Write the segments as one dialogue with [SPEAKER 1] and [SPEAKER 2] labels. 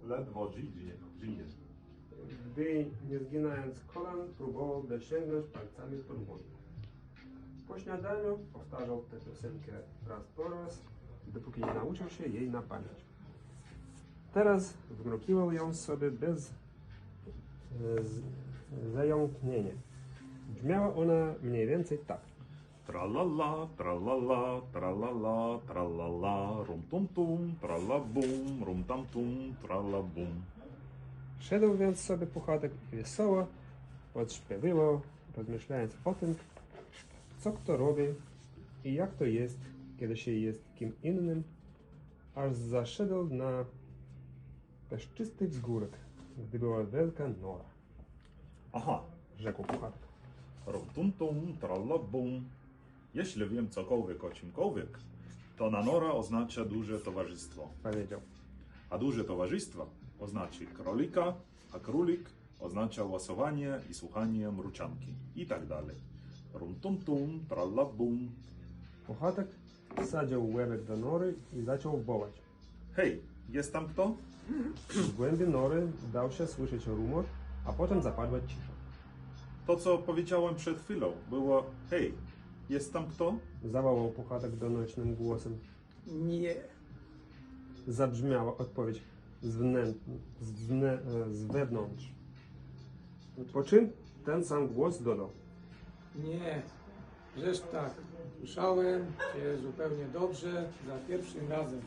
[SPEAKER 1] ledwo żyje.
[SPEAKER 2] Gdy, nie zginając kolan, próbował dosięgnąć palcami podwórka. Po śniadaniu powtarzał tę piosenkę raz po raz, dopóki nie nauczył się jej na pamięć. Teraz wmrukiwał ją sobie bez zająknienia. Brzmiała ona mniej więcej tak.
[SPEAKER 1] Tralala, tralala, tralala, tralala, rum tum tum, tralabum, rum tam tum, tralabum.
[SPEAKER 2] Szedł więc sobie Puchatek i wesoło odśpiewywał, rozmyślając o tym, co kto robi i jak to jest, kiedy się jest kim innym, aż zaszedł na peszczysty wzgórek, gdy była wielka nora.
[SPEAKER 1] Aha,
[SPEAKER 2] Rzekł Puchatek.
[SPEAKER 1] rum tum tum, tralabum. Jeśli wiem cokolwiek o czymkolwiek, to na nora oznacza duże towarzystwo.
[SPEAKER 2] Powiedział.
[SPEAKER 1] A duże towarzystwo oznacza królika, a królik oznacza łasowanie i słuchanie mruczanki i tak dalej. Rum tum tum, tralabum.
[SPEAKER 2] Puchatek wsadził łebek do nory i zaczął wołać.
[SPEAKER 1] Hej, jest tam kto?
[SPEAKER 2] Z głębi nory dał się słyszeć rumor, a potem zapadła cisza.
[SPEAKER 1] To, co powiedziałem przed chwilą, było hej, jest tam kto?
[SPEAKER 2] Zawołał Puchatek donośnym głosem.
[SPEAKER 3] Nie.
[SPEAKER 2] Zabrzmiała odpowiedź z wewnątrz. Po czym ten sam głos dodał.
[SPEAKER 3] Nie. Żeż tak. Słyszałem cię zupełnie dobrze za pierwszym razem.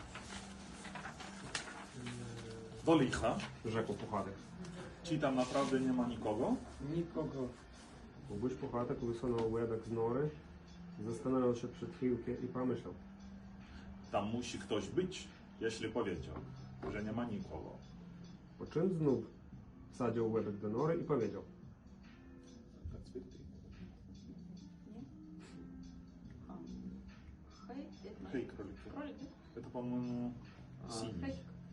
[SPEAKER 1] Do licha.
[SPEAKER 2] Rzekł Puchatek.
[SPEAKER 1] Czy tam naprawdę nie ma nikogo?
[SPEAKER 3] Nikogo.
[SPEAKER 2] Łubuś Puchatek wysunął łebek z nory, zastanawiał się przed chwilkę i pomyślał.
[SPEAKER 1] Tam musi ktoś być, jeśli powiedział, że nie ma nikogo.
[SPEAKER 2] Po czym znów wsadził łebek do nory i powiedział.
[SPEAKER 4] Хай, это
[SPEAKER 1] Hej, króliku.
[SPEAKER 4] кролик, да?
[SPEAKER 1] To, по-моему,
[SPEAKER 2] A,
[SPEAKER 1] sini.
[SPEAKER 4] Кролик.